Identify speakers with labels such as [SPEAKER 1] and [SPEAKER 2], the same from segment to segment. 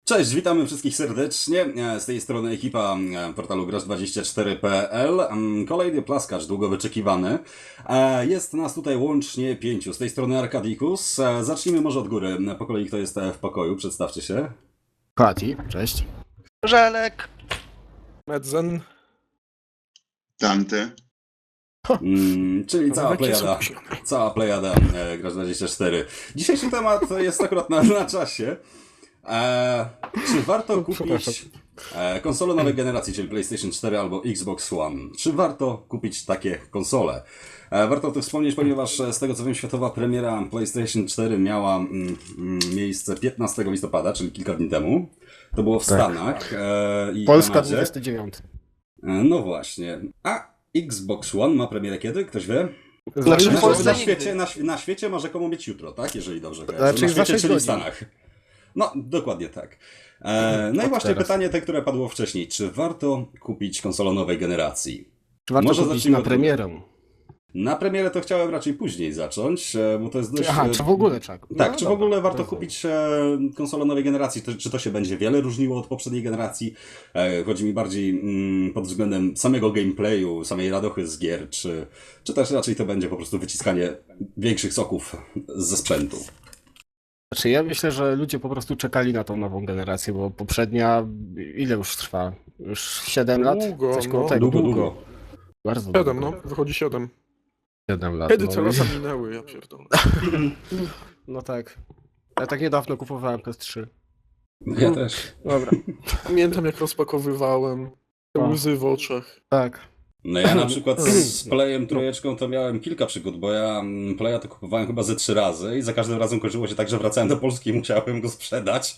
[SPEAKER 1] Cześć, witamy wszystkich serdecznie. Z tej strony ekipa portalu gracz24.pl. Kolejny plaskacz, długo wyczekiwany. Jest nas tutaj łącznie 5. Z tej strony Arkadikus. Zacznijmy może od góry. Po kolei kto jest w pokoju? Przedstawcie się.
[SPEAKER 2] Pati, cześć.
[SPEAKER 3] Żelek.
[SPEAKER 4] Medzen.
[SPEAKER 5] Dante.
[SPEAKER 1] Czyli cała plejada Gracz24. Dzisiejszy temat jest akurat na czasie. Czy warto kupić konsolę nowej generacji, czyli PlayStation 4 albo Xbox One? Czy warto kupić takie konsole? Warto o tym wspomnieć, ponieważ z tego co wiem, światowa premiera PlayStation 4 miała miejsce 15 listopada, czyli kilka dni temu. To było w Stanach i
[SPEAKER 2] Polska
[SPEAKER 1] Kanadzie.
[SPEAKER 2] 29.
[SPEAKER 1] No właśnie. A Xbox One ma premierę kiedy? Ktoś wie?
[SPEAKER 3] Znaczy w Polsce
[SPEAKER 1] Na świecie ma rzekomo być jutro, tak? Jeżeli dobrze kojarzę.
[SPEAKER 2] Znaczy
[SPEAKER 1] Na
[SPEAKER 2] za
[SPEAKER 1] świecie,
[SPEAKER 2] 6
[SPEAKER 1] czyli w
[SPEAKER 2] godzin.
[SPEAKER 1] Stanach. No, dokładnie tak. No i właśnie
[SPEAKER 2] teraz.
[SPEAKER 1] pytanie te, które padło wcześniej. Czy warto kupić konsolę nowej generacji?
[SPEAKER 2] Czy warto
[SPEAKER 1] Może
[SPEAKER 2] kupić
[SPEAKER 1] zacznijmy
[SPEAKER 2] na
[SPEAKER 1] od-
[SPEAKER 2] premierę?
[SPEAKER 1] Na premierę to chciałem raczej później zacząć, bo to jest dość...
[SPEAKER 2] Aha, czy w ogóle trzeba?
[SPEAKER 1] Tak,
[SPEAKER 2] No
[SPEAKER 1] czy w
[SPEAKER 2] dobra,
[SPEAKER 1] ogóle warto
[SPEAKER 2] rozumiem.
[SPEAKER 1] kupić konsolę nowej generacji? Czy to się będzie wiele różniło od poprzedniej generacji? Chodzi mi bardziej pod względem samego gameplayu, samej radochy z gier, czy też raczej to będzie po prostu wyciskanie większych soków ze sprzętu?
[SPEAKER 2] Znaczy ja myślę, że ludzie po prostu czekali na tą nową generację, bo poprzednia ile już trwa? Już 7 lat?
[SPEAKER 4] Długo,
[SPEAKER 2] Coś koło
[SPEAKER 4] no.
[SPEAKER 2] tego.
[SPEAKER 1] Długo.
[SPEAKER 2] Bardzo
[SPEAKER 4] 7,
[SPEAKER 2] długo.
[SPEAKER 4] no. Wychodzi 7.
[SPEAKER 2] 7 lat.
[SPEAKER 4] Kiedy
[SPEAKER 2] no,
[SPEAKER 4] te lata minęły, ja pierdolę.
[SPEAKER 2] No tak. Ja tak niedawno kupowałem PS3.
[SPEAKER 1] Ja też.
[SPEAKER 2] Dobra.
[SPEAKER 4] Pamiętam jak rozpakowywałem. Te
[SPEAKER 2] O.
[SPEAKER 4] łzy w oczach.
[SPEAKER 2] Tak.
[SPEAKER 1] No ja na przykład z Playem trójeczką to miałem kilka przygód, bo ja Playa to kupowałem chyba ze 3 razy i za każdym razem kończyło się tak, że wracałem do Polski i musiałem go sprzedać.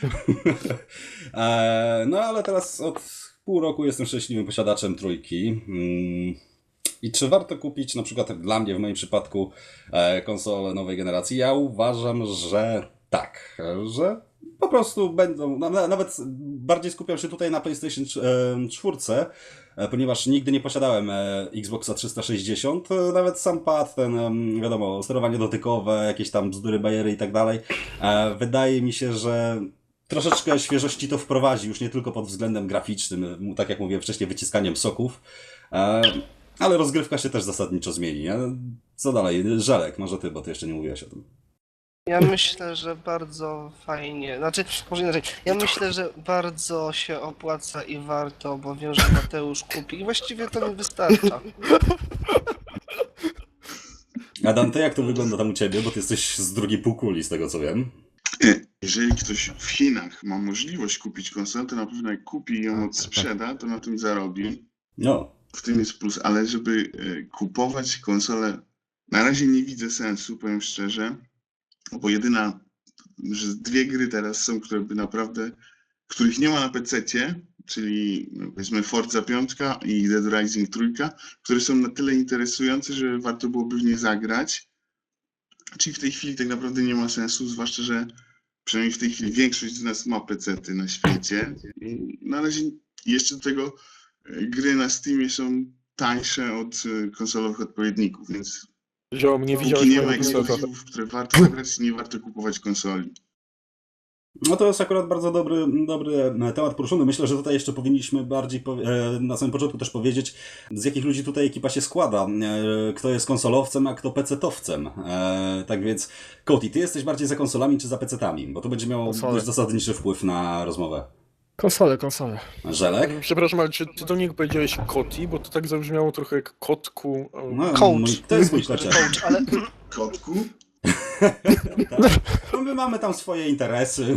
[SPEAKER 1] No ale teraz od pół roku jestem szczęśliwym posiadaczem trójki. I czy warto kupić, na przykład dla mnie w moim przypadku, konsolę nowej generacji? Ja uważam, że tak, że po prostu będą, nawet bardziej skupiam się tutaj na PlayStation 4, ponieważ nigdy nie posiadałem Xboxa 360, nawet sam pad, ten, wiadomo, sterowanie dotykowe, jakieś tam bzdury, bajery i tak dalej. Wydaje mi się, że troszeczkę świeżości to wprowadzi, już nie tylko pod względem graficznym, tak jak mówiłem wcześniej, wyciskaniem soków, ale rozgrywka się też zasadniczo zmieni. Nie? Co dalej? Żelek, może ty, bo ty jeszcze nie mówiłeś o tym.
[SPEAKER 3] Ja myślę, że bardzo fajnie. Znaczy, może inaczej. Ja myślę, że bardzo się opłaca i warto, bo wiem, że Mateusz kupi i właściwie to mi wystarcza.
[SPEAKER 1] Adam, ty jak to wygląda tam u ciebie? Bo ty jesteś z drugiej półkuli, z tego co wiem.
[SPEAKER 5] Jeżeli ktoś w Chinach ma możliwość kupić konsolę, to na pewno jak kupi i ją odsprzeda, to na tym zarobi.
[SPEAKER 1] No,
[SPEAKER 5] W tym jest plus, ale żeby kupować konsolę, na razie nie widzę sensu, powiem szczerze, bo że 2 gry teraz są, które by naprawdę, których nie ma na PC-cie, czyli powiedzmy Forza 5 i Dead Rising 3, które są na tyle interesujące, że warto byłoby w nie zagrać. Czyli w tej chwili tak naprawdę nie ma sensu, zwłaszcza, że przynajmniej w tej chwili większość z nas ma PC-ty na świecie. I na razie jeszcze do tego gry na Steamie są tańsze od konsolowych odpowiedników, więc
[SPEAKER 4] Ziom, nie
[SPEAKER 5] póki
[SPEAKER 4] widziałeś
[SPEAKER 5] nie ma
[SPEAKER 4] mojego seta.
[SPEAKER 5] ekskluzywów, w które warto zagrać, nie warto kupować konsoli.
[SPEAKER 1] no to jest akurat bardzo dobry temat poruszony. Myślę, że tutaj jeszcze powinniśmy bardziej na samym początku też powiedzieć, z jakich ludzi tutaj ekipa się składa. Kto jest konsolowcem, a kto pecetowcem. Tak więc, Koti, ty jesteś bardziej za konsolami czy za pecetami? Bo to będzie miało
[SPEAKER 2] Konsole.
[SPEAKER 1] dość zasadniczy wpływ na rozmowę.
[SPEAKER 2] Konsole.
[SPEAKER 1] Żelek?
[SPEAKER 4] Przepraszam, ale czy ty do niego powiedziałeś koti? Bo to tak zabrzmiało trochę jak kotku.
[SPEAKER 1] No,
[SPEAKER 3] Coach.
[SPEAKER 1] to jest mój kociak.
[SPEAKER 3] Coach, ale
[SPEAKER 5] Kotku?
[SPEAKER 1] Tak. No my mamy tam swoje interesy.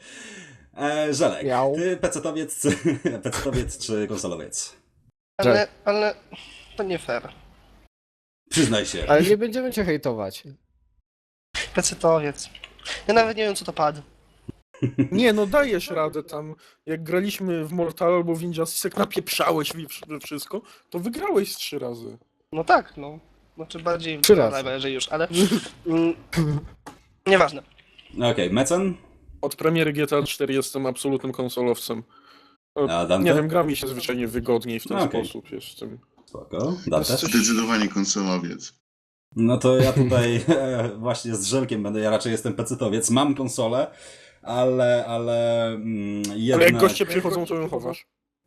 [SPEAKER 1] Żelek,
[SPEAKER 2] Miał.
[SPEAKER 1] ty pecetowiec czy konsolowiec?
[SPEAKER 3] ale to nie fair.
[SPEAKER 1] Przyznaj się.
[SPEAKER 2] Ale nie będziemy cię hejtować.
[SPEAKER 3] Pecetowiec. Ja nawet nie wiem, co to padł.
[SPEAKER 4] Nie, no dajesz radę tam. Jak graliśmy w Mortal albo w Injustice, jak napieprzałeś we wszystko, to wygrałeś z 3 razy.
[SPEAKER 3] No tak, no. Znaczy bardziej
[SPEAKER 2] 3 razy.
[SPEAKER 3] jeżeli już, ale nieważne.
[SPEAKER 1] Okej, Mecen?
[SPEAKER 4] Od premiery GTA 4 jestem absolutnym konsolowcem.
[SPEAKER 1] A Dante?
[SPEAKER 4] Nie wiem, gra mi się zwyczajnie wygodniej w ten
[SPEAKER 1] Okej.
[SPEAKER 4] sposób. Jestem.
[SPEAKER 1] Spoko. Dante?
[SPEAKER 4] Coś-
[SPEAKER 5] Zdecydowanie konsolowiec.
[SPEAKER 1] No to ja tutaj właśnie z Żelkiem będę, ja raczej jestem pecetowiec, mam konsolę, ale
[SPEAKER 4] Ale
[SPEAKER 1] jednak...
[SPEAKER 4] jak goście przychodzą, to ją chowasz.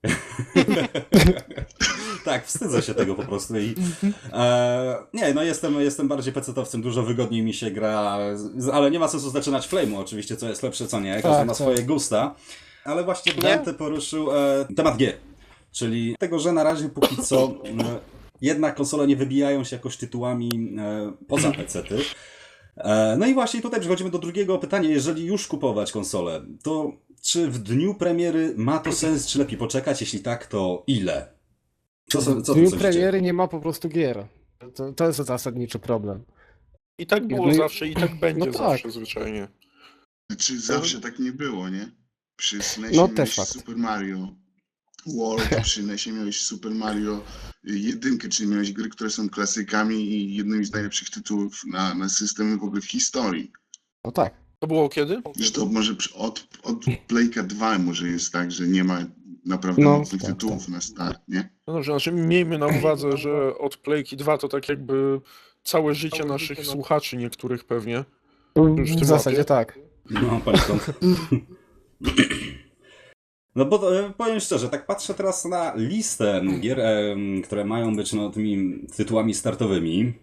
[SPEAKER 1] Tak, wstydzę się tego po prostu i nie, no jestem bardziej pecetowcem, dużo wygodniej mi się gra, ale nie ma sensu zaczynać Flame'u oczywiście, co jest lepsze, co nie, każdy
[SPEAKER 2] Tak,
[SPEAKER 1] ma
[SPEAKER 2] tak.
[SPEAKER 1] swoje gusta, ale właśnie Dante poruszył temat gier, czyli tego, że na razie póki co jednak konsole nie wybijają się jakoś tytułami poza pecety. No i właśnie tutaj przechodzimy do drugiego pytania. Jeżeli już kupować konsolę, to czy w dniu premiery ma to sens, czy lepiej poczekać? Jeśli tak, to ile? Co
[SPEAKER 2] W
[SPEAKER 1] ty
[SPEAKER 2] dniu
[SPEAKER 1] sądzicie?
[SPEAKER 2] premiery nie ma po prostu gier. To jest zasadniczy problem.
[SPEAKER 4] I tak było
[SPEAKER 2] No i-
[SPEAKER 4] zawsze, i tak będzie
[SPEAKER 2] no tak.
[SPEAKER 4] zawsze zwyczajnie.
[SPEAKER 5] Znaczy zawsze tak nie było, nie? Przy SNESie
[SPEAKER 2] No,
[SPEAKER 5] miałeś
[SPEAKER 2] też fakt.
[SPEAKER 5] Super Mario World, przy NESie miałeś Super Mario 1, czyli miałeś gry, które są klasykami i jednymi z najlepszych tytułów na systemy w ogóle w historii.
[SPEAKER 2] No tak.
[SPEAKER 4] To było kiedy?
[SPEAKER 5] Że to może od Playka 2 może jest tak, że nie ma naprawdę
[SPEAKER 2] No,
[SPEAKER 5] mocnych
[SPEAKER 2] tak,
[SPEAKER 5] tytułów na start, nie?
[SPEAKER 4] No dobrze, znaczy miejmy na uwadze, że od Playki 2 to tak jakby całe życie naszych słuchaczy niektórych pewnie. Już w
[SPEAKER 2] W
[SPEAKER 4] tym
[SPEAKER 2] zasadzie
[SPEAKER 4] łapie.
[SPEAKER 2] tak.
[SPEAKER 1] No, poniekąd. No bo powiem szczerze, tak patrzę teraz na listę gier, które mają być no, tymi tytułami startowymi.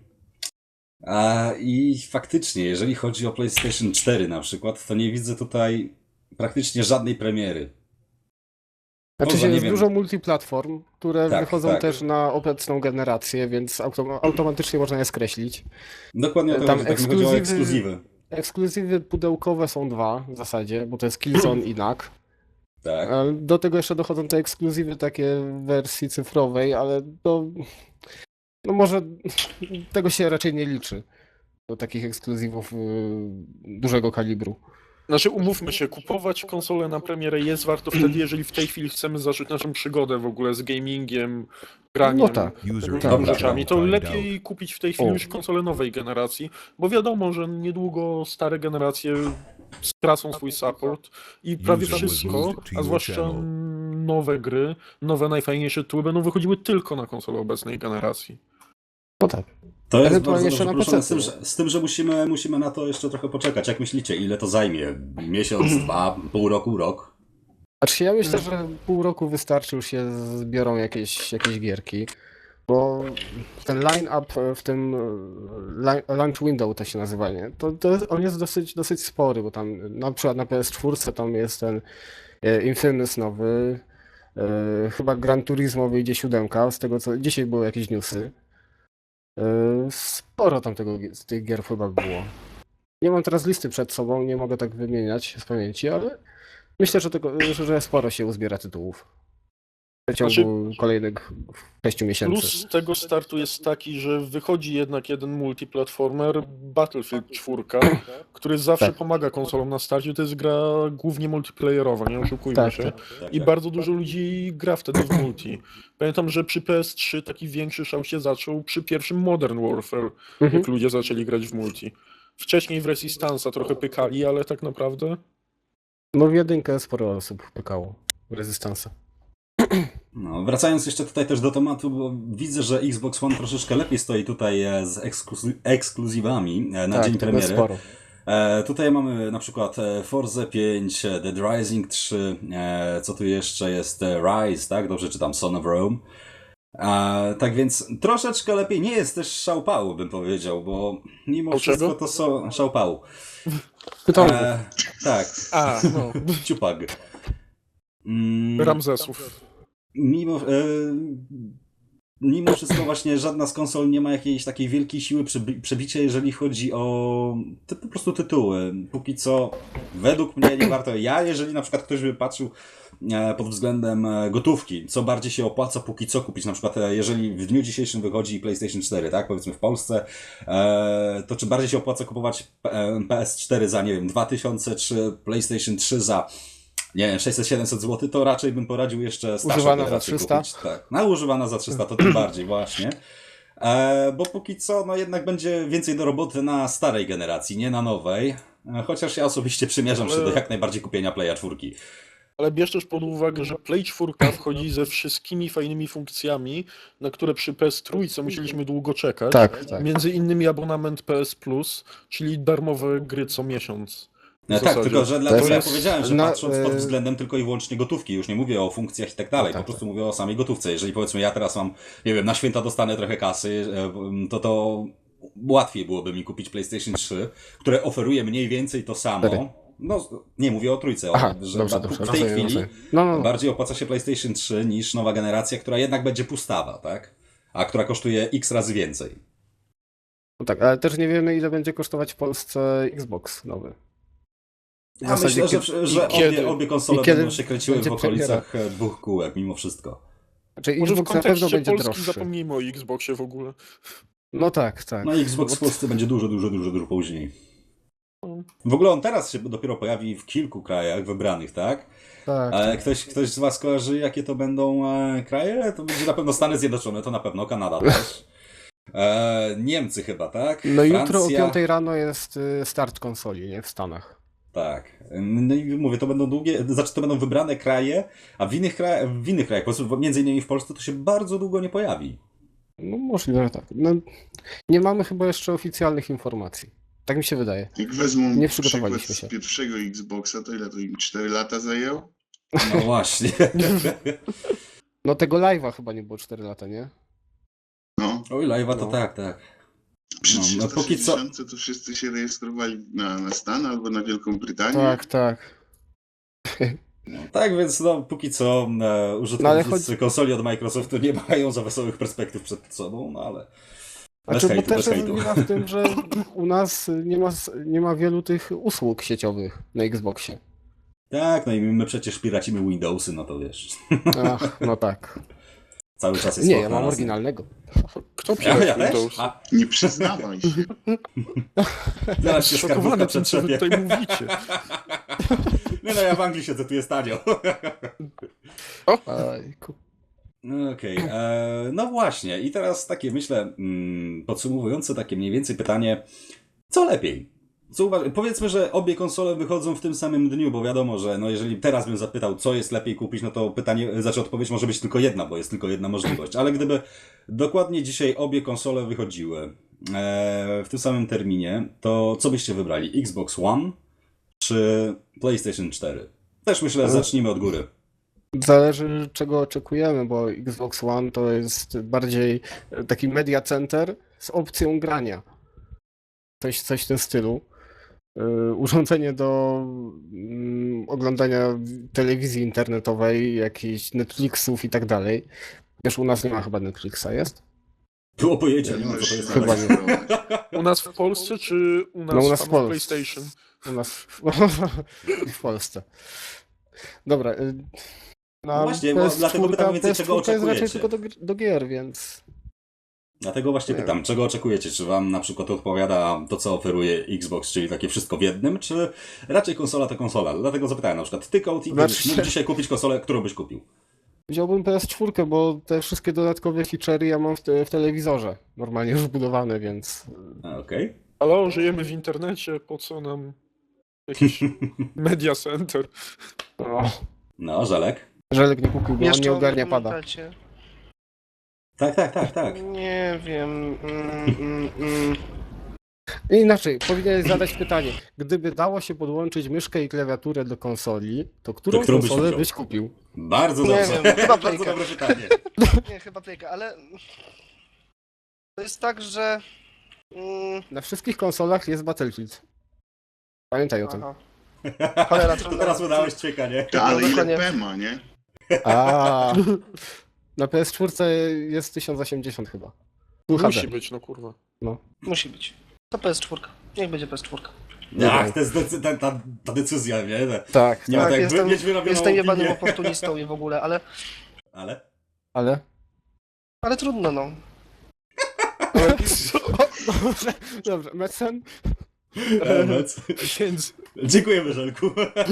[SPEAKER 1] I faktycznie, jeżeli chodzi o PlayStation 4 na przykład, to nie widzę tutaj praktycznie żadnej premiery.
[SPEAKER 2] Znaczy
[SPEAKER 1] Poza,
[SPEAKER 2] się
[SPEAKER 1] nie
[SPEAKER 2] jest
[SPEAKER 1] wiem.
[SPEAKER 2] dużo multiplatform, które
[SPEAKER 1] Tak,
[SPEAKER 2] wychodzą
[SPEAKER 1] tak.
[SPEAKER 2] też na obecną generację, więc automatycznie można je skreślić.
[SPEAKER 1] Dokładnie o to
[SPEAKER 2] Tam
[SPEAKER 1] chodzi, tak mi chodziło o
[SPEAKER 2] ekskluzywy-
[SPEAKER 1] ekskluzywy.
[SPEAKER 2] Ekskluzywy pudełkowe są dwa w zasadzie, bo to jest Killzone i NAC.
[SPEAKER 1] Tak.
[SPEAKER 2] Do tego jeszcze dochodzą te ekskluzywy takie w wersji cyfrowej, ale to... No może tego się raczej nie liczy. Do takich ekskluzywów dużego kalibru.
[SPEAKER 4] Znaczy umówmy się, kupować konsolę na premierę jest warto wtedy, jeżeli w tej chwili chcemy zacząć naszą przygodę w ogóle z gamingiem, graniem,
[SPEAKER 2] No tak.
[SPEAKER 4] tego
[SPEAKER 1] Tak,
[SPEAKER 4] typu
[SPEAKER 1] tak.
[SPEAKER 4] rzeczami. To lepiej kupić w tej chwili
[SPEAKER 2] O.
[SPEAKER 4] już konsolę nowej generacji, bo wiadomo, że niedługo stare generacje stracą swój support i prawie
[SPEAKER 6] User was
[SPEAKER 4] wszystko,
[SPEAKER 6] moved to
[SPEAKER 4] a
[SPEAKER 6] your
[SPEAKER 4] zwłaszcza
[SPEAKER 6] channel.
[SPEAKER 4] nowe gry, nowe najfajniejsze tytuły będą wychodziły tylko na konsolę obecnej generacji.
[SPEAKER 2] No tak.
[SPEAKER 1] To jest
[SPEAKER 2] Ewentualnie
[SPEAKER 1] bardzo
[SPEAKER 2] jeszcze
[SPEAKER 1] dobrze
[SPEAKER 2] na
[SPEAKER 1] poruszone,
[SPEAKER 2] PC-ty.
[SPEAKER 1] z tym, że musimy na to jeszcze trochę poczekać. Jak myślicie, ile to zajmie? Miesiąc, dwa, pół roku, rok?
[SPEAKER 2] Znaczy ja myślę, że pół roku wystarczy, już się zbiorą jakieś gierki, bo ten line-up w tym launch window to się nazywa, nie? On jest dosyć spory, bo tam na przykład na PS4 tam jest ten Infamous nowy, chyba Gran Turismo wyjdzie 7, z tego co dzisiaj były jakieś newsy. Sporo tam tych gier chyba było. Nie mam teraz listy przed sobą, nie mogę tak wymieniać z pamięci, ale myślę, że sporo się uzbiera tytułów w ciągu kolejnych 6 miesięcy.
[SPEAKER 4] Plus tego startu jest taki, że wychodzi jednak jeden multiplatformer, Battlefield 4, który zawsze
[SPEAKER 2] Tak.
[SPEAKER 4] pomaga konsolom na starcie. To jest gra głównie multiplayerowa, nie oszukujmy
[SPEAKER 2] Tak,
[SPEAKER 4] się.
[SPEAKER 2] tak.
[SPEAKER 4] I bardzo dużo ludzi gra wtedy w multi. Pamiętam, że przy PS3 taki większy szał się zaczął przy pierwszym Modern Warfare,
[SPEAKER 2] Mhm.
[SPEAKER 4] jak ludzie zaczęli grać w multi. Wcześniej w Resistance'a trochę pykali, ale tak naprawdę...
[SPEAKER 2] No w jedynkę sporo osób pykało w Resistance.
[SPEAKER 1] No, wracając jeszcze tutaj też do tematu, bo widzę, że Xbox One troszeczkę lepiej stoi tutaj z ekskluzywami na
[SPEAKER 2] Tak,
[SPEAKER 1] dzień
[SPEAKER 2] tego jest
[SPEAKER 1] premiery.
[SPEAKER 2] sporo.
[SPEAKER 1] Tutaj mamy na przykład Forza 5, Dead Rising 3, co tu jeszcze jest? Rise, tak? Dobrze czytam, Son of Rome. Tak więc troszeczkę lepiej, nie jest też szałpału, bym powiedział, bo mimo
[SPEAKER 4] O
[SPEAKER 1] wszystko
[SPEAKER 4] czego?
[SPEAKER 1] to są szałpału.
[SPEAKER 2] Pytałem.
[SPEAKER 1] Tak,
[SPEAKER 4] A, no,
[SPEAKER 1] ciupag.
[SPEAKER 4] Ramzesów.
[SPEAKER 1] Mimo wszystko właśnie żadna z konsol nie ma jakiejś takiej wielkiej siły przebicia, jeżeli chodzi o po prostu tytuły. Póki co według mnie nie warto. Jeżeli na przykład ktoś by patrzył pod względem gotówki, co bardziej się opłaca póki co kupić, na przykład jeżeli w dniu dzisiejszym wychodzi PlayStation 4, tak, powiedzmy w Polsce, to czy bardziej się opłaca kupować PS4 za, nie wiem, 2000 czy PlayStation 3 za, nie wiem, 600-700 zł, to raczej bym poradził jeszcze starszą
[SPEAKER 2] Używana za
[SPEAKER 1] generację
[SPEAKER 2] 300?
[SPEAKER 1] kupić. Tak, używana za 300 to tym bardziej właśnie. Bo póki co, no jednak będzie więcej do roboty na starej generacji, nie na nowej. Chociaż ja osobiście przymierzam się do jak najbardziej kupienia Playa 4.
[SPEAKER 4] Ale bierz też pod uwagę, że Play 4 wchodzi ze wszystkimi fajnymi funkcjami, na które przy PS3 musieliśmy długo czekać.
[SPEAKER 2] Tak, tak.
[SPEAKER 4] Między innymi abonament PS Plus, czyli darmowe gry co miesiąc. W
[SPEAKER 1] Tak,
[SPEAKER 4] zasadzie.
[SPEAKER 1] tylko że dlatego ja
[SPEAKER 2] jest
[SPEAKER 1] powiedziałem, że
[SPEAKER 2] na-
[SPEAKER 1] patrząc pod względem tylko i wyłącznie gotówki, już nie mówię o funkcjach i tak dalej,
[SPEAKER 2] tak,
[SPEAKER 1] po prostu mówię o samej gotówce. Jeżeli powiedzmy ja teraz mam, nie wiem, na święta dostanę trochę kasy, to łatwiej byłoby mi kupić PlayStation 3, które oferuje mniej więcej to samo.
[SPEAKER 2] 4.
[SPEAKER 1] No, nie mówię o trójce,
[SPEAKER 2] Aha,
[SPEAKER 1] że
[SPEAKER 2] dobrze,
[SPEAKER 1] w tej
[SPEAKER 2] rozumiem,
[SPEAKER 1] chwili
[SPEAKER 2] rozumiem. No.
[SPEAKER 1] bardziej opłaca się PlayStation 3 niż nowa generacja, która jednak będzie pustawa, tak? A która kosztuje x razy więcej.
[SPEAKER 2] No tak, ale też nie wiemy, ile będzie kosztować w Polsce Xbox nowy. W
[SPEAKER 1] Ja
[SPEAKER 2] zasadzie
[SPEAKER 1] myślę, że
[SPEAKER 4] kiedy-
[SPEAKER 1] obie konsole
[SPEAKER 2] i kiedy
[SPEAKER 1] będą się kręciły w
[SPEAKER 2] będzie
[SPEAKER 1] okolicach 2 kółek mimo wszystko.
[SPEAKER 2] Znaczy
[SPEAKER 4] Może w
[SPEAKER 2] Xbox na pewno
[SPEAKER 4] kontekście
[SPEAKER 2] będzie
[SPEAKER 4] Polski
[SPEAKER 2] droższy.
[SPEAKER 4] zapomnijmy o Xboxie w ogóle.
[SPEAKER 2] No tak.
[SPEAKER 1] No i Xbox w Polsce będzie dużo później. W ogóle on teraz się dopiero pojawi w kilku krajach wybranych, tak?
[SPEAKER 2] Tak.
[SPEAKER 1] Ktoś z was kojarzy, jakie to będą kraje? To będzie na pewno Stany Zjednoczone, to na pewno Kanada też. Niemcy chyba, tak?
[SPEAKER 2] No i jutro o
[SPEAKER 1] Francja.
[SPEAKER 2] 5 rano jest start konsoli, nie? W Stanach.
[SPEAKER 1] Tak. No i mówię, to będą to będą wybrane kraje, a w innych krajach, po prostu między innymi w Polsce, to się bardzo długo nie pojawi.
[SPEAKER 2] No możliwe, że tak. No, nie mamy chyba jeszcze oficjalnych informacji. Tak mi się wydaje.
[SPEAKER 5] Jak wezmą
[SPEAKER 2] Nie
[SPEAKER 5] przykład
[SPEAKER 2] przygotowaliśmy się.
[SPEAKER 5] z pierwszego Xboxa, to ile to im 4 lata zajęło?
[SPEAKER 1] No właśnie.
[SPEAKER 2] No tego live'a chyba nie było 4 lata, nie?
[SPEAKER 5] No,
[SPEAKER 1] Oj, live'a to
[SPEAKER 2] No.
[SPEAKER 1] tak.
[SPEAKER 5] przy
[SPEAKER 1] No, póki co-
[SPEAKER 5] 360 to wszyscy się rejestrowali na Stan albo na Wielką Brytanię.
[SPEAKER 2] Tak.
[SPEAKER 1] Tak, więc no, póki co użytkownicy
[SPEAKER 2] No, ale chodzi-
[SPEAKER 1] konsoli od Microsoftu nie mają za wesołych perspektyw przed sobą, no ale... Bez
[SPEAKER 2] Znaczy, bo
[SPEAKER 1] hejtu,
[SPEAKER 2] też
[SPEAKER 1] bez
[SPEAKER 2] jest
[SPEAKER 1] hejtu.
[SPEAKER 2] wina w tym, że u nas nie ma wielu tych usług sieciowych na Xboxie.
[SPEAKER 1] Tak, no i my przecież piracimy Windowsy, no to wiesz.
[SPEAKER 2] Ach, no tak.
[SPEAKER 1] Cały czas jest
[SPEAKER 2] Nie,
[SPEAKER 1] to
[SPEAKER 2] ja mam
[SPEAKER 1] znalazł.
[SPEAKER 2] oryginalnego.
[SPEAKER 4] Kto
[SPEAKER 1] Ja
[SPEAKER 4] pisze
[SPEAKER 1] też?
[SPEAKER 4] Windows?
[SPEAKER 1] A,
[SPEAKER 5] Nie przyznawaj się.
[SPEAKER 1] zaraz się skarbówka
[SPEAKER 4] Zszokowany tym, co wy
[SPEAKER 1] przetrzepie.
[SPEAKER 4] tutaj mówicie.
[SPEAKER 1] Nie no, ja w Anglii siedzę, tu jest tanio.
[SPEAKER 2] Ojku.
[SPEAKER 1] Okej, no właśnie. I teraz takie, myślę, podsumowujące takie mniej więcej pytanie, co lepiej? Powiedzmy, że obie konsole wychodzą w tym samym dniu, bo wiadomo, że no jeżeli teraz bym zapytał, co jest lepiej kupić, no to odpowiedź może być tylko jedna, bo jest tylko jedna możliwość. Ale gdyby dokładnie dzisiaj obie konsole wychodziły w tym samym terminie, to co byście wybrali? Xbox One czy PlayStation 4? Też myślę, zacznijmy od góry.
[SPEAKER 2] Zależy czego oczekujemy, bo Xbox One to jest bardziej taki media center z opcją grania. Coś w tym stylu. Urządzenie do oglądania telewizji internetowej, jakichś Netflixów i tak dalej. Wiesz, u nas nie ma chyba Netflixa, jest?
[SPEAKER 1] Było pojęcia, nie ma co to jest.
[SPEAKER 2] Chyba nie.
[SPEAKER 4] U nas w Polsce, czy u nas,
[SPEAKER 2] No, u nas w
[SPEAKER 4] w
[SPEAKER 2] Polsce.
[SPEAKER 4] PlayStation?
[SPEAKER 2] U nas w Polsce. Dobra.
[SPEAKER 1] No właśnie, bo dlatego pytam więcej, czego
[SPEAKER 2] PS4 jest raczej
[SPEAKER 1] oczekujecie.
[SPEAKER 2] tylko do gier, więc...
[SPEAKER 1] Dlatego właśnie
[SPEAKER 2] Nie
[SPEAKER 1] pytam, czego oczekujecie? Czy wam na przykład odpowiada to, co oferuje Xbox, czyli takie wszystko w jednym, czy raczej konsola to konsola? Dlatego zapytałem na przykład, ty Kołti, gdybyś
[SPEAKER 2] Znaczy-
[SPEAKER 1] mógł dzisiaj kupić konsolę, którą byś kupił?
[SPEAKER 2] Wziąłbym PS4, bo te wszystkie dodatkowe feature'y ja mam w telewizorze. Normalnie już wbudowane, więc...
[SPEAKER 1] Okej.
[SPEAKER 4] Ale żyjemy w internecie, po co nam jakiś media center?
[SPEAKER 2] O,
[SPEAKER 1] No, Żelek?
[SPEAKER 2] Żelek nie kupił, bo on
[SPEAKER 3] Jeszcze
[SPEAKER 2] nie
[SPEAKER 3] o
[SPEAKER 2] ogarnia
[SPEAKER 3] mnie
[SPEAKER 2] pada.
[SPEAKER 3] pamiętacie?
[SPEAKER 1] Tak.
[SPEAKER 3] Nie wiem.
[SPEAKER 2] Inaczej, powinieneś zadać pytanie. Gdyby dało się podłączyć myszkę i klawiaturę do konsoli, to którą
[SPEAKER 1] którą byś
[SPEAKER 2] konsolę
[SPEAKER 1] wybrał?
[SPEAKER 2] byś kupił?
[SPEAKER 1] Bardzo
[SPEAKER 3] Nie
[SPEAKER 1] dobrze.
[SPEAKER 3] wiem, chyba
[SPEAKER 1] Bardzo
[SPEAKER 3] Playka.
[SPEAKER 1] dobre pytanie.
[SPEAKER 3] Nie, chyba Playka, ale... To jest tak, że...
[SPEAKER 2] Na wszystkich konsolach jest Battlefield. Pamiętaj o tym.
[SPEAKER 3] Aha. Cholera,
[SPEAKER 1] To
[SPEAKER 3] trudno.
[SPEAKER 1] teraz udałeś ćwieka, nie?
[SPEAKER 5] Ale ile
[SPEAKER 3] dokładnie.
[SPEAKER 5] PEMA, nie?
[SPEAKER 2] A. Na PS4 jest 1080 chyba. Full
[SPEAKER 4] Musi
[SPEAKER 2] HD.
[SPEAKER 4] być, no kurwa.
[SPEAKER 3] Musi być. To PS4. Niech będzie PS4.
[SPEAKER 1] Tak, to jest ta decyzja, nie?
[SPEAKER 2] Tak,
[SPEAKER 1] Nie ma
[SPEAKER 3] Tak,
[SPEAKER 1] tak,
[SPEAKER 3] jestem,
[SPEAKER 1] mieć wyrobioną
[SPEAKER 3] jestem jebanym
[SPEAKER 1] opinię.
[SPEAKER 3] oportunistą i w ogóle, ale...
[SPEAKER 1] Ale?
[SPEAKER 2] ale...
[SPEAKER 3] trudno, no.
[SPEAKER 2] Dobrze, Metzen?
[SPEAKER 1] Emec.
[SPEAKER 4] Więc
[SPEAKER 1] Dziękujemy, Żelku.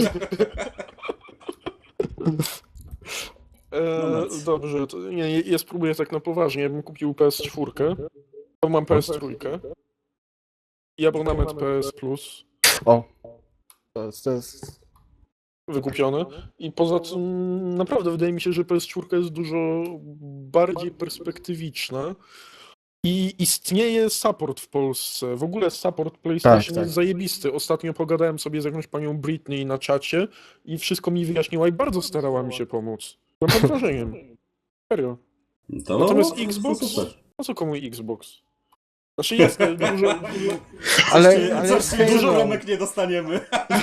[SPEAKER 1] No.
[SPEAKER 4] dobrze, to ja spróbuję tak na poważnie. Ja bym kupił PS4, to mam PS3 i abonament PS Plus
[SPEAKER 2] O. To jest...
[SPEAKER 4] wykupiony. I poza tym naprawdę wydaje mi się, że PS4 jest dużo bardziej perspektywiczna I istnieje support w Polsce. W ogóle support PlayStation
[SPEAKER 2] tak.
[SPEAKER 4] jest zajebisty. Ostatnio pogadałem sobie z jakąś panią Britney na czacie i wszystko mi wyjaśniła i bardzo starała mi się pomóc. Byłem pod wrażeniem. Serio. Natomiast Xbox?
[SPEAKER 1] super.
[SPEAKER 4] Po co komu Xbox? Znaczy jest dużo...
[SPEAKER 2] Ale
[SPEAKER 1] Coś
[SPEAKER 2] hej,
[SPEAKER 1] dużo
[SPEAKER 2] no.
[SPEAKER 1] ramek nie dostaniemy.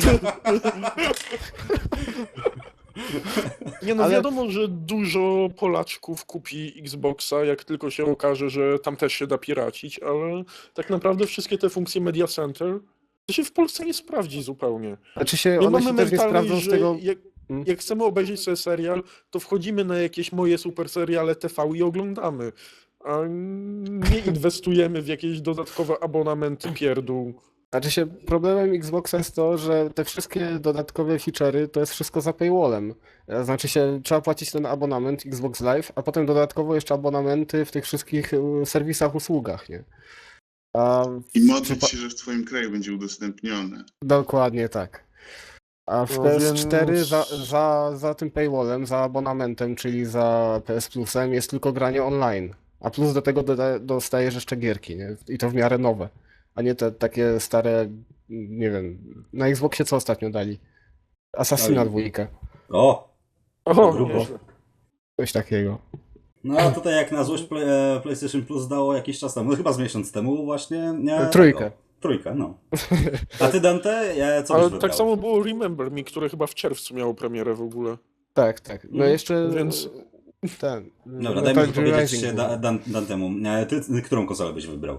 [SPEAKER 4] Nie no,
[SPEAKER 2] Ale-
[SPEAKER 4] wiadomo, że dużo Polaczków kupi Xboxa, jak tylko się okaże, że tam też się da piracić, ale tak naprawdę wszystkie te funkcje Media Center to się w Polsce nie sprawdzi zupełnie.
[SPEAKER 2] Znaczy się,
[SPEAKER 4] My
[SPEAKER 2] one się
[SPEAKER 4] mamy
[SPEAKER 2] też nie
[SPEAKER 4] mentalność,
[SPEAKER 2] sprawdzą z
[SPEAKER 4] że
[SPEAKER 2] tego...
[SPEAKER 4] jak chcemy obejrzeć sobie serial, to wchodzimy na jakieś moje super seriale TV i oglądamy, a nie inwestujemy w jakieś dodatkowe abonamenty pierdół.
[SPEAKER 2] Znaczy się, problemem Xboxa jest to, że te wszystkie dodatkowe feature'y to jest wszystko za paywallem. Znaczy się, trzeba płacić ten abonament Xbox Live, a potem dodatkowo jeszcze abonamenty w tych wszystkich serwisach, usługach, nie? A
[SPEAKER 5] I modlić się, że w twoim kraju będzie udostępnione.
[SPEAKER 2] Dokładnie tak. A w
[SPEAKER 4] No
[SPEAKER 2] PS4
[SPEAKER 4] więc-
[SPEAKER 2] za tym paywallem, za abonamentem, czyli za PS Plusem jest tylko granie online. A plus do tego dostajesz jeszcze gierki, nie? I to w miarę nowe. A nie te takie stare, nie wiem, na Xboxie co ostatnio dali? Assassina
[SPEAKER 1] Oj.
[SPEAKER 2] 2,
[SPEAKER 1] O!
[SPEAKER 4] O,
[SPEAKER 1] Grubo.
[SPEAKER 4] nieźle.
[SPEAKER 2] coś takiego.
[SPEAKER 1] No a tutaj jak na złość PlayStation Plus dało jakiś czas temu, no chyba z miesiąc temu właśnie.
[SPEAKER 2] Trójkę.
[SPEAKER 1] Trójkę, no. A ty Dante, co byś
[SPEAKER 4] Ale
[SPEAKER 1] wybrał?
[SPEAKER 4] tak samo było Remember Me, które chyba w czerwcu miało premierę w ogóle.
[SPEAKER 2] Tak, tak. No jeszcze
[SPEAKER 4] Więc-
[SPEAKER 2] ten...
[SPEAKER 1] Dobra,
[SPEAKER 2] Metal
[SPEAKER 1] daj mi
[SPEAKER 2] Gear
[SPEAKER 1] wypowiedzieć
[SPEAKER 2] Rising
[SPEAKER 1] się
[SPEAKER 2] był.
[SPEAKER 1] Dantemu. Ty którą konsolę byś wybrał?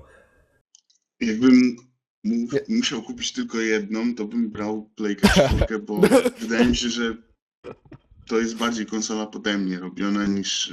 [SPEAKER 5] Jakbym musiał kupić tylko jedną, to bym brał Playka 4, bo wydaje mi się, że to jest bardziej konsola pode mnie robiona niż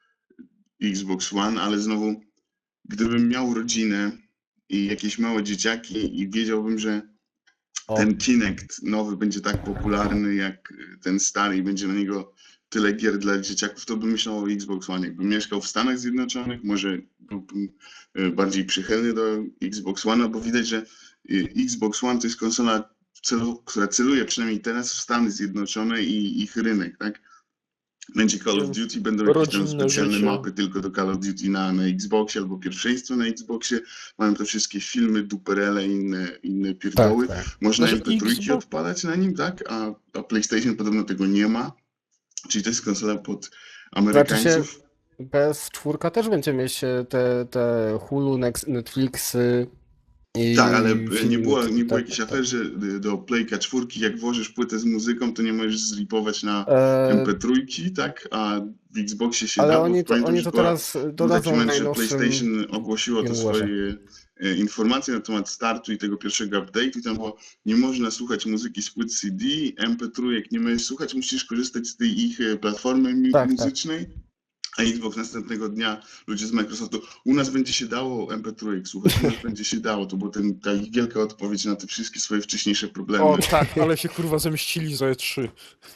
[SPEAKER 5] Xbox One, ale znowu, gdybym miał rodzinę i jakieś małe dzieciaki i wiedziałbym, że
[SPEAKER 2] O.
[SPEAKER 5] ten Kinect nowy będzie tak popularny jak ten stary i będzie na niego tyle gier dla dzieciaków, to bym myślał o Xbox One. Jakbym mieszkał w Stanach Zjednoczonych, może byłbym bardziej przychylny do Xbox One, bo widać, że Xbox One to jest konsola, która celuje przynajmniej teraz w Stany Zjednoczone i ich rynek, tak? Będzie Call of Duty, będą jakieś tam
[SPEAKER 4] Rodzinne
[SPEAKER 5] specjalne
[SPEAKER 4] życie.
[SPEAKER 5] mapy tylko do Call of Duty na Xboxie albo pierwszeństwo na Xboxie. Mają te wszystkie filmy, duperele i inne pierdoły.
[SPEAKER 2] Tak, tak.
[SPEAKER 5] Można
[SPEAKER 4] Znaczy,
[SPEAKER 5] MP3
[SPEAKER 4] Xbox-
[SPEAKER 5] odpalać na nim, tak? A PlayStation podobno tego nie ma. Czyli to jest konsola pod Amerykańców.
[SPEAKER 2] PS4 też będzie mieć te Hulu, Netflixy i
[SPEAKER 5] Tak, ale
[SPEAKER 2] filmy,
[SPEAKER 5] nie było
[SPEAKER 2] tak,
[SPEAKER 5] jakiejś
[SPEAKER 2] tak.
[SPEAKER 5] afery, że do Playka 4, jak włożysz płytę z muzyką, to nie możesz zripować na
[SPEAKER 2] E,
[SPEAKER 5] MP3, tak? A w Xboxie się
[SPEAKER 2] ale
[SPEAKER 5] da, bo
[SPEAKER 2] oni to,
[SPEAKER 5] pamiętam,
[SPEAKER 2] oni
[SPEAKER 5] że
[SPEAKER 2] to
[SPEAKER 5] była-
[SPEAKER 2] teraz
[SPEAKER 5] był taki
[SPEAKER 2] dodadzą w
[SPEAKER 5] moment, że
[SPEAKER 2] najnowszym...
[SPEAKER 5] PlayStation ogłosiło te
[SPEAKER 2] firmware'ze.
[SPEAKER 5] swoje informacje na temat startu i tego pierwszego update'u i tam było, nie można słuchać muzyki z płyt CD, MP3 jak nie możesz słuchać, musisz korzystać z tej ich platformy
[SPEAKER 2] Tak,
[SPEAKER 5] muzycznej. A Xbox następnego dnia, ludzie z Microsoftu, u nas będzie się dało MP3 słuchać, u nas będzie się dało. To była ta ich wielka odpowiedź na te wszystkie swoje wcześniejsze problemy.
[SPEAKER 4] O tak, ale się kurwa zemścili za E3.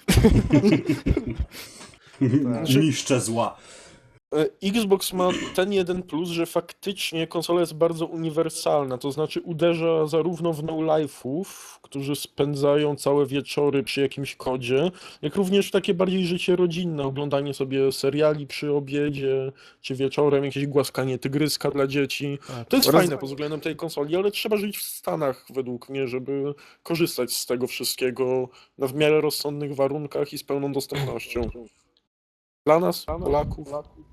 [SPEAKER 1] Niszcze zła.
[SPEAKER 4] Xbox ma ten jeden plus, że faktycznie konsola jest bardzo uniwersalna, to znaczy uderza zarówno w no-life'ów, którzy spędzają całe wieczory przy jakimś kodzie, jak również w takie bardziej życie rodzinne, oglądanie sobie seriali przy obiedzie, czy wieczorem, jakieś głaskanie tygryska dla dzieci. To jest fajne pod względem tej konsoli, ale trzeba żyć w Stanach według mnie, żeby korzystać z tego wszystkiego na w miarę rozsądnych warunkach i z pełną dostępnością. Dla nas, Polaków.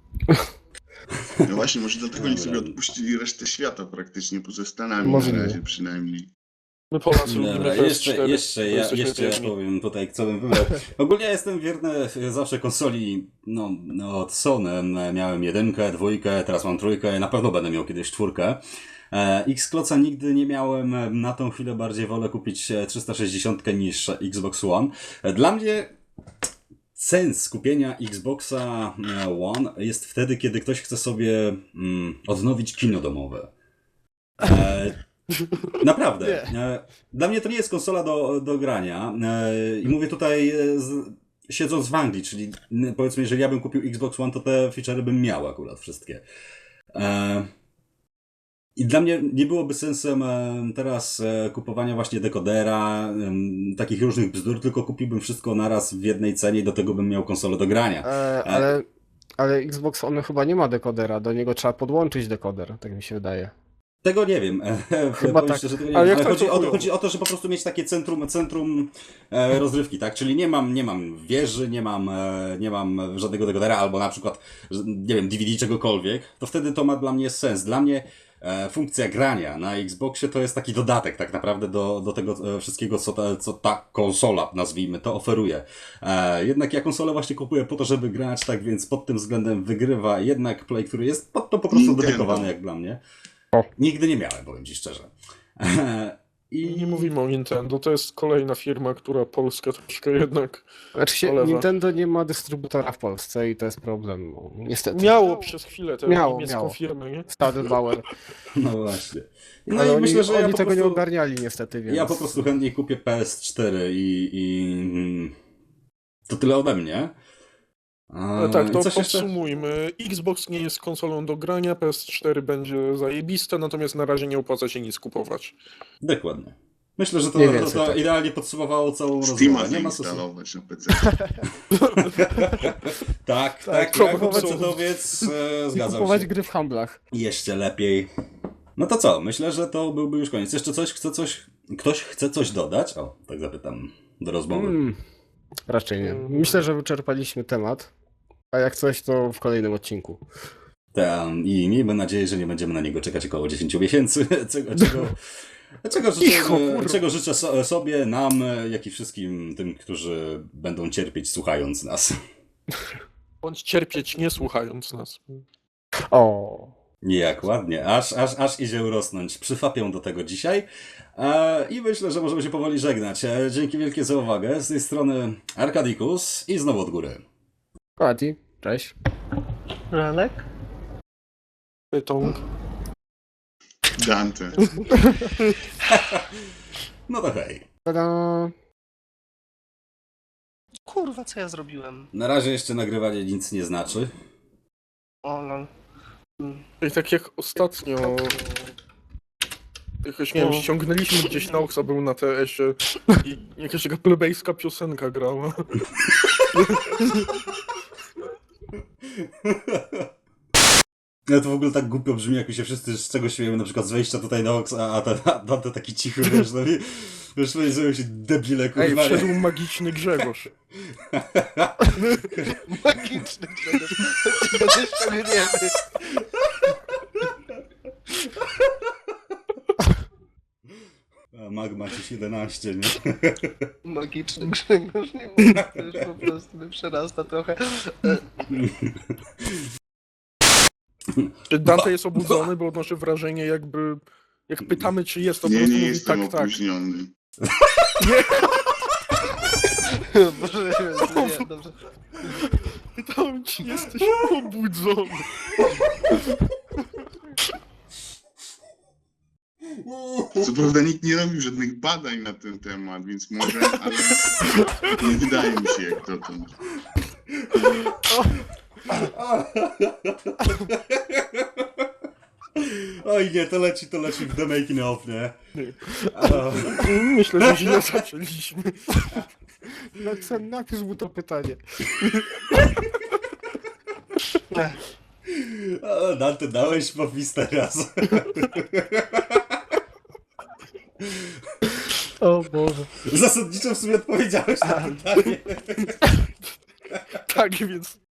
[SPEAKER 5] No właśnie, może dlatego oni sobie odpuścili resztę świata praktycznie, poza Stanami
[SPEAKER 2] Możliwe.
[SPEAKER 5] na razie przynajmniej.
[SPEAKER 4] My Polacy lubimy
[SPEAKER 1] Dobra,
[SPEAKER 4] PS4.
[SPEAKER 1] jeszcze ja
[SPEAKER 4] jesteśmy wierni.
[SPEAKER 1] powiem tutaj, co bym wybrał. Ogólnie ja jestem wierny zawsze konsoli, no od Sony. Miałem 1, 2, teraz mam 3, na pewno będę miał kiedyś 4. Xclosa nigdy nie miałem, na tą chwilę bardziej wolę kupić 360 niż Xbox One. Dla mnie sens kupienia Xboxa One jest wtedy, kiedy ktoś chce sobie odnowić kino domowe. Naprawdę. Dla mnie to nie jest konsola do grania. I mówię tutaj siedząc w Anglii, czyli powiedzmy, jeżeli ja bym kupił Xbox One, to te feature'y bym miał akurat wszystkie. I dla mnie nie byłoby sensem teraz kupowania właśnie dekodera, takich różnych bzdur, tylko kupiłbym wszystko naraz w jednej cenie i do tego bym miał konsolę do grania.
[SPEAKER 2] Ale Ale Xbox on chyba nie ma dekodera, do niego trzeba podłączyć dekoder, tak mi się wydaje.
[SPEAKER 1] Tego nie wiem.
[SPEAKER 2] Chyba
[SPEAKER 1] Powiem
[SPEAKER 2] tak.
[SPEAKER 1] szczerze, tego nie
[SPEAKER 4] Ale
[SPEAKER 1] wiem.
[SPEAKER 4] jak tak
[SPEAKER 1] Chodzi,
[SPEAKER 4] to
[SPEAKER 1] o to,
[SPEAKER 4] chujowo?
[SPEAKER 1] chodzi o to, że po prostu mieć takie centrum rozrywki, tak? Czyli nie mam wieży, nie mam żadnego dekodera, albo na przykład, nie wiem, DVD czegokolwiek, to wtedy to ma dla mnie sens. Dla mnie funkcja grania na Xboxie to jest taki dodatek tak naprawdę do tego wszystkiego, co ta konsola, nazwijmy to, oferuje. Jednak ja konsolę właśnie kupuję po to, żeby grać, tak więc pod tym względem wygrywa jednak Play, który jest pod to po prostu
[SPEAKER 5] Nintendo.
[SPEAKER 1] dedykowany jak dla mnie.
[SPEAKER 2] O.
[SPEAKER 1] Nigdy nie miałem, powiem ci szczerze.
[SPEAKER 4] I nie mówimy o Nintendo, to jest kolejna firma, która Polskę troszkę jednak
[SPEAKER 2] Znaczy się,
[SPEAKER 4] Olewa.
[SPEAKER 2] Nintendo nie ma dystrybutora w Polsce i to jest problem, no, niestety.
[SPEAKER 4] miało przez chwilę tę
[SPEAKER 2] Miało,
[SPEAKER 4] niemiecką
[SPEAKER 2] miało.
[SPEAKER 4] firmę, nie?
[SPEAKER 2] Stadelbauer.
[SPEAKER 1] No właśnie. No
[SPEAKER 2] Ale
[SPEAKER 1] i
[SPEAKER 2] oni,
[SPEAKER 1] myślę, że
[SPEAKER 2] oni
[SPEAKER 1] ja po
[SPEAKER 2] tego nie
[SPEAKER 1] prostu,
[SPEAKER 2] ogarniali niestety, więc...
[SPEAKER 1] ja po prostu chętnie kupię PS4 to tyle ode mnie.
[SPEAKER 4] Ale tak, to
[SPEAKER 1] I coś jeszcze?
[SPEAKER 4] podsumujmy. Xbox nie jest konsolą do grania, PS4 będzie zajebiste, natomiast na razie nie opłaca się nic kupować.
[SPEAKER 1] Dokładnie. Myślę, że to,
[SPEAKER 2] Mniej więcej,
[SPEAKER 1] to
[SPEAKER 2] tak.
[SPEAKER 1] idealnie podsumowało całą
[SPEAKER 5] Steama
[SPEAKER 1] rozmowę. Nie ma sensu.
[SPEAKER 5] zainstalować na PC.
[SPEAKER 1] Tak,
[SPEAKER 4] próbować-
[SPEAKER 1] PC-towiec,
[SPEAKER 2] I
[SPEAKER 1] zgadzam
[SPEAKER 2] kupować
[SPEAKER 1] się.
[SPEAKER 2] gry w handlach.
[SPEAKER 1] Jeszcze lepiej. No to co? Myślę, że to byłby już koniec. Jeszcze ktoś chce coś dodać? O, tak zapytam do rozmowy.
[SPEAKER 2] Raczej nie. Myślę, że wyczerpaliśmy temat. A jak coś, to w kolejnym odcinku.
[SPEAKER 1] I miejmy nadzieję, że nie będziemy na niego czekać około 10 miesięcy. Czego życzę sobie, nam, jak i wszystkim tym, którzy będą cierpieć słuchając nas.
[SPEAKER 4] Bądź cierpieć nie słuchając nas.
[SPEAKER 2] O.
[SPEAKER 1] Jak ładnie, aż idzie urosnąć. Przyfapię do tego dzisiaj. I myślę, że możemy się powoli żegnać. Dzięki wielkie za uwagę. Z tej strony Arkadikus i znowu od góry.
[SPEAKER 2] Adi, cześć.
[SPEAKER 3] Ranek?
[SPEAKER 4] Pytąg.
[SPEAKER 5] Dante.
[SPEAKER 1] No to hej.
[SPEAKER 2] Tada.
[SPEAKER 3] Kurwa, co ja zrobiłem?
[SPEAKER 1] Na razie jeszcze nagrywanie nic nie znaczy.
[SPEAKER 3] O lol.
[SPEAKER 4] I tak jak ostatnio... Jakoś, nie wiem, ściągnęliśmy gdzieś na Oxa, był na TS-ie i jakaś taka plebejska piosenka grała.
[SPEAKER 1] No to w ogóle tak głupio brzmi, jak się wszyscy z czego śmiejemy, na przykład z wejścia tutaj na Ox, a Dante taki cichy, wiesz, no i wiesz, powiedziałem się debile,
[SPEAKER 4] Ej,
[SPEAKER 1] kurwa.
[SPEAKER 4] wszedł magiczny Grzegorz.
[SPEAKER 3] Magiczny Grzegorz. Będę ściągnięty.
[SPEAKER 1] A Magma ci 11, nie?
[SPEAKER 3] Magiczny Grzegorz, nie mówię, to już po prostu mnie przerasta trochę.
[SPEAKER 4] Czy Dante jest obudzony, bo odnoszę wrażenie jakby... Jak pytamy, czy jest, to po
[SPEAKER 5] Nie,
[SPEAKER 4] prostu
[SPEAKER 5] nie
[SPEAKER 4] mówi
[SPEAKER 5] jestem
[SPEAKER 4] tak, tak.
[SPEAKER 5] opóźniony.
[SPEAKER 3] Boże, nie, dobrze.
[SPEAKER 4] Pytałem, czy jesteś obudzony.
[SPEAKER 5] Co prawda nikt nie robił żadnych badań na ten temat, więc może, ale nie wydaje mi się jak dotąd.
[SPEAKER 1] Oj nie, to leci w the making of, nie?
[SPEAKER 4] Myślę, że źle zaczęliśmy.
[SPEAKER 2] Napisz mu to pytanie.
[SPEAKER 1] O, Dante, dałeś popis teraz.
[SPEAKER 2] O Boże.
[SPEAKER 1] Zasadniczo w sumie odpowiedziałeś na pytanie.
[SPEAKER 4] Tak, więc